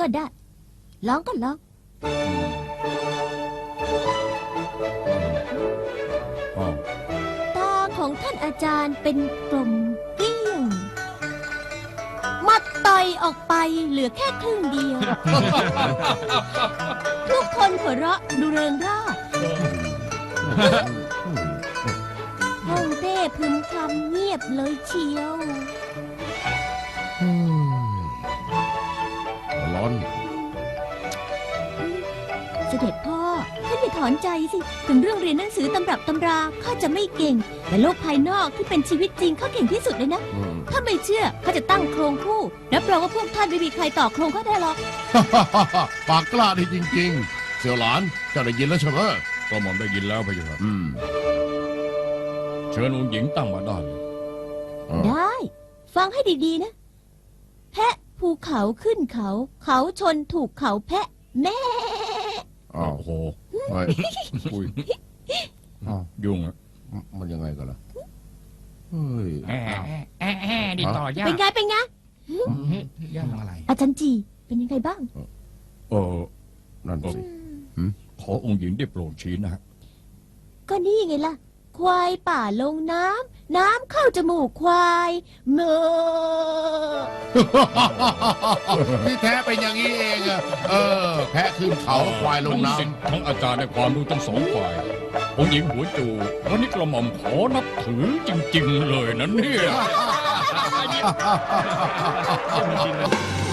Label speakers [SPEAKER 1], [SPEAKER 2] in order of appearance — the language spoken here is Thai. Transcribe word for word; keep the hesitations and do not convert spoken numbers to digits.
[SPEAKER 1] ได้ลองก็ลองตาของท่านอาจารย์เป็นกลมเกลี้ยงมัดต่อยออกไปเหลือแค่ครึ่งเดียว ทุกคนหัวเราะดูเริงร่าห้องเต้พึมพำเงียบเลยเชียว
[SPEAKER 2] ร้อน
[SPEAKER 1] เสด็จพ่อท่านอย่าถอนใจสิถึงเรื่องเรียนหนังสือตำรับตำราข้าจะไม่เก่งแต่โลกภายนอกที่เป็นชีวิตจริงข้าเก่งที่สุดเลยนะถ้าไม่เชื่อข้าจะตั้งโครงคู่รับรองว่าพวกท่านไม่มีใครต่อโครงข้าได้หรอก
[SPEAKER 2] ปากกล้าดีจริงๆเสี่ยวหลานเจ้าได้ยินแล้วใช่ไหม
[SPEAKER 3] กระหม่อมได้ยินแล้วพะยะค่ะ
[SPEAKER 2] อืม
[SPEAKER 3] เชิญองค์หญิงตั้งมาได้เลย
[SPEAKER 1] ได้ ฟังให้ดีๆนะ แพะภูเขาขึ้นเขา เขาชนถูกเขาแพะแม่
[SPEAKER 2] อ้าว
[SPEAKER 3] โอ้โห
[SPEAKER 2] เฮ้ย
[SPEAKER 3] อุ้ย
[SPEAKER 2] อ้าว
[SPEAKER 3] ยุ่งอะ
[SPEAKER 2] มันยังไงกันล่ะเฮ้ย
[SPEAKER 4] แอะแอะแอะแอะนี่ต่อยา
[SPEAKER 1] เป็น
[SPEAKER 4] ก
[SPEAKER 1] ไงเป็นไง
[SPEAKER 4] ยากอะไร
[SPEAKER 1] อาจารย์จีเป็นยังไงบ้าง
[SPEAKER 3] เออ
[SPEAKER 2] นั่นสิ
[SPEAKER 3] ขอองค์หญิงได้โปรดชี้นะฮะ
[SPEAKER 1] ก็นี่ไงล่ะ ควายป่าลงน้ำน้ำเข้าจมูกควายเมื่อ
[SPEAKER 2] ที่แท้เป็นอย่างนี้เองอะเออ แพะขึ้นเขาควายลงน้
[SPEAKER 3] ทั้ศิษย์ทั้งอาจารย์ในความรู้ทั้งสองฝ่าย องค์หญิงหัวจูวันนี้กระหม่อมขอนับถือจริง ๆ เลยนะเนี่ย
[SPEAKER 2] ำ